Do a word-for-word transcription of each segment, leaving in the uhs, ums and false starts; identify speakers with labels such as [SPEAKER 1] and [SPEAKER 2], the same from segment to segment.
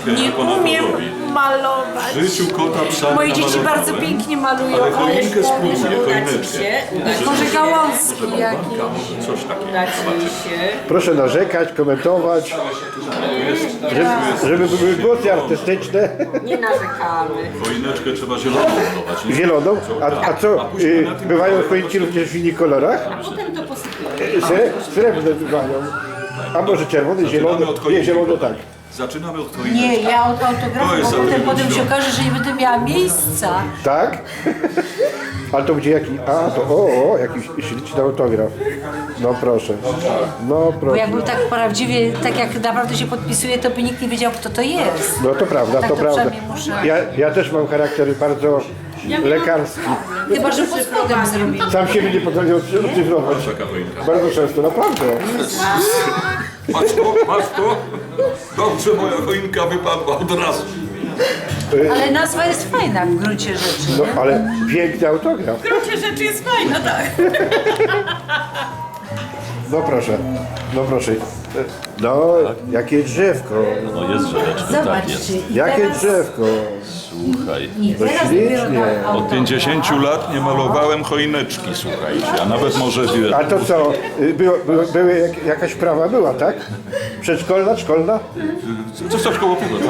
[SPEAKER 1] choinkę,
[SPEAKER 2] Nie
[SPEAKER 1] jak ona to
[SPEAKER 2] umiem
[SPEAKER 1] robi.
[SPEAKER 2] malować.
[SPEAKER 1] W życiu kota psa
[SPEAKER 2] Moje
[SPEAKER 1] nie
[SPEAKER 2] dzieci
[SPEAKER 1] namalowałem.
[SPEAKER 2] bardzo pięknie malują.
[SPEAKER 1] Ale choinkę spróbuję, choineczkę.
[SPEAKER 2] Może gałązki jakieś.
[SPEAKER 1] Może coś takiego.
[SPEAKER 3] Dać mi
[SPEAKER 1] Zobaczymy.
[SPEAKER 3] się.
[SPEAKER 4] Proszę narzekać, komentować, żeby, żeby były głosy artystyczne.
[SPEAKER 3] Nie narzekamy.
[SPEAKER 1] Choineczkę trzeba zieloną budować. nie?
[SPEAKER 4] Zieloną. A, a co, y, bywają choinki również w innych kolorach?
[SPEAKER 3] A potem to posypiemy.
[SPEAKER 4] Y, Se, srebrne bywają. A może czerwony, zielony?
[SPEAKER 1] Zaczynamy od
[SPEAKER 4] Nie,
[SPEAKER 1] choinki.
[SPEAKER 4] zielony tak.
[SPEAKER 1] Zaczynamy od choineczki.
[SPEAKER 2] Nie, ja od
[SPEAKER 1] To
[SPEAKER 2] autografu,
[SPEAKER 1] jest
[SPEAKER 2] bo potem,
[SPEAKER 1] atrybut
[SPEAKER 2] potem się
[SPEAKER 1] świąt.
[SPEAKER 2] okaże, że nie będę miała miejsca.
[SPEAKER 4] Tak? A to gdzie jaki? A to o, o jakiś śliczny autograf. No proszę. No
[SPEAKER 2] Bo
[SPEAKER 4] proszę.
[SPEAKER 2] jakby tak prawdziwie, tak jak naprawdę się podpisuje, to by nikt nie wiedział, kto to jest.
[SPEAKER 4] No to prawda,
[SPEAKER 2] Tak
[SPEAKER 4] to
[SPEAKER 2] to
[SPEAKER 4] prawda.
[SPEAKER 2] przynajmniej muszę.
[SPEAKER 4] Ja, ja też mam charakter bardzo lekarski.
[SPEAKER 2] Chyba, że pod spodem zrobili.
[SPEAKER 4] Sam siebie nie potrafię odcyfrować.
[SPEAKER 1] Taka choinka.
[SPEAKER 4] Bardzo często, naprawdę.
[SPEAKER 1] Masz to, masz to? Dobrze, moja choinka wypadła od razu.
[SPEAKER 2] Ale nazwa jest fajna w gruncie rzeczy.
[SPEAKER 4] No ale piękny autograf.
[SPEAKER 3] W gruncie rzeczy jest fajna, tak.
[SPEAKER 4] No proszę, no proszę. No, jakie drzewko.
[SPEAKER 1] No jest rzeczny, tak jest.
[SPEAKER 2] Zobaczcie. i
[SPEAKER 4] Jakie
[SPEAKER 2] teraz-
[SPEAKER 4] drzewko.
[SPEAKER 1] Słuchaj.
[SPEAKER 2] I teraz
[SPEAKER 4] ślicznie.
[SPEAKER 2] dopiero tak
[SPEAKER 1] Od
[SPEAKER 2] autograf.
[SPEAKER 1] pięćdziesięciu lat nie malowałem choineczki, słuchajcie, a nawet może wie.
[SPEAKER 4] A to co, y, było, było, były jak, jakaś prawa była, tak? Przedszkolna, szkolna?
[SPEAKER 1] Co coś koło tego?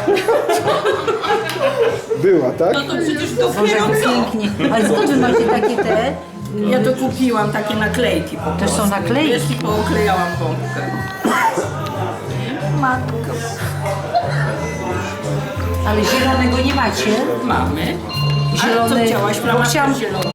[SPEAKER 4] Była, tak?
[SPEAKER 3] No to przecież to
[SPEAKER 2] Boże, jak pięknie. Ale skąd wy macie takie te?
[SPEAKER 3] Ja to kupiłam, takie naklejki po
[SPEAKER 2] To są naklejki.
[SPEAKER 3] Wiesz, i pooklejałam bombkę.
[SPEAKER 2] Matko. Ale zielonego nie macie?
[SPEAKER 3] Mamy. Ale
[SPEAKER 2] Zielony,
[SPEAKER 3] co chciałaś,
[SPEAKER 2] bo
[SPEAKER 3] flamaskę
[SPEAKER 2] chciałam,
[SPEAKER 3] zieloną?